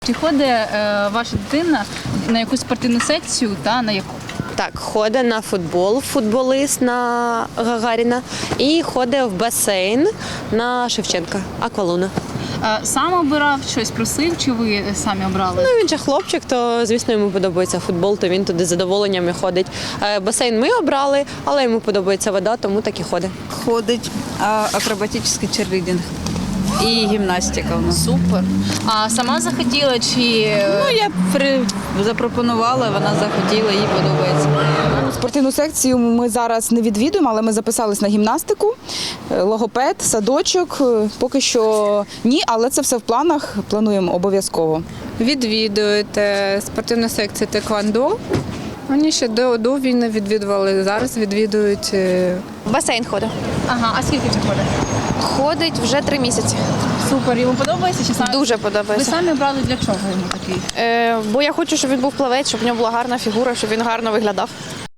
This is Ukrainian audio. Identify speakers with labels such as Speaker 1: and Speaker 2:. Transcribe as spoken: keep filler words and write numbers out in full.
Speaker 1: Чи ходить е, ваша дитина на якусь спортивну секцію та на яку?
Speaker 2: Так, ходить на футбол, футболіст на Гагаріна і ходить в басейн на Шевченка, Аквалуна.
Speaker 1: Е, сам обирав щось, просив, чи ви самі обрали?
Speaker 2: Ну, він же хлопчик, то, звісно, йому подобається футбол, то він туди з задоволенням і ходить. Е, Басейн ми обрали, але йому подобається вода, тому так і ходить.
Speaker 3: Ходить а, акробатичний черлідинг і гімнастика у нас.
Speaker 1: Супер. А сама захотіла чи
Speaker 3: Ну, я при... запропонувала, вона захотіла, їй подобається.
Speaker 4: Спортивну секцію ми зараз не відвідуємо, але ми записались на гімнастику, е, логопед, садочок. Е, Поки що ні, але це все в планах, плануємо обов'язково.
Speaker 5: Відвідують е, спортивну секцію теквондо. Вони ще до, до війни відвідували, зараз відвідують. е,
Speaker 6: Басейн ходить.
Speaker 1: ага, а скільки вже ходить?
Speaker 6: Ходить вже три місяці.
Speaker 1: Супер, йому подобається чи саме?
Speaker 6: Дуже
Speaker 1: Ви
Speaker 6: подобається.
Speaker 1: самі обрали для чого йому такий?
Speaker 6: Е, бо я хочу, щоб він був плавець, щоб в нього була гарна фігура, щоб він гарно виглядав.